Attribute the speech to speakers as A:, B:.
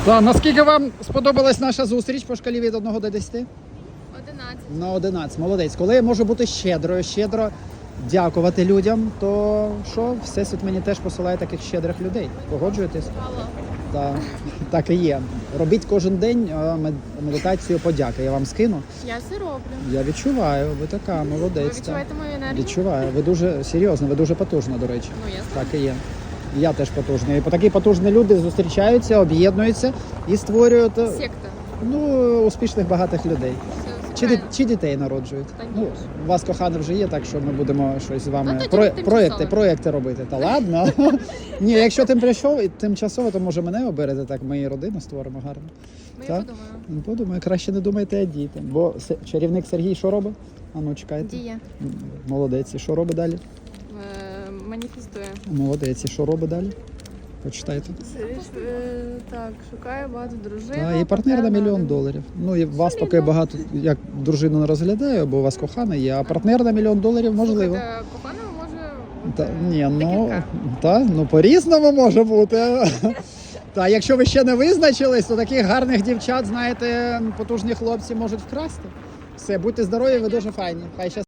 A: Та, наскільки вам сподобалась наша зустріч по шкалі від 1 до 10?
B: 11.
A: На 11. Молодець. Коли я можу бути щедро дякувати людям, то що? Всесвіт мені теж посилає таких щедрих людей. Погоджуєтесь?
B: Мало.
A: Так і є. Робіть кожен день медитацію подяки. Я вам скину.
B: Я все роблю.
A: Я відчуваю, ви така, молодець.
B: Ви
A: так.
B: відчуваєте мою енергію?
A: Відчуваю. Ви дуже серйозно, ви дуже потужна, до речі.
B: Ну, ясно.
A: Так і є. Я теж потужний. І такі потужні люди зустрічаються, об'єднуються і створюють
B: Секта.
A: успішних багатих людей.
B: Все правильно.
A: Чи дітей народжують?
B: Та ні.
A: Ну, у вас коханий вже є, так що ми будемо щось з вами
B: Ну, тоді тимчасово.
A: проекти робити. Та ладно. Ні, якщо тимчасово, то може мене оберете, так ми і родину створимо гарно.
B: Ну,
A: Так?
B: я подумаю.
A: Ну, подумаю, краще не думайте, а діти. Бо чарівник Сергій що робить? А ну чекайте.
B: Діє.
A: Молодець. І що робить далі?
B: Маніфестує.
A: Молодець. І що робить далі? Почитайте.
B: Так, шукає багато дружин.
A: Та, і партнер на $1 мільйон. Ну і вас поки багато як дружину не розглядаю, бо у вас кохана є, а партнер на $1 мільйон можливо.
B: Коханого може
A: Та,
B: бути
A: ні,
B: декілька.
A: ну по-різному може бути. Та якщо ви ще не визначились, то таких гарних дівчат, знаєте, потужні хлопці можуть вкрасти. Все, будьте здорові, ви дуже файні. Хай щастить.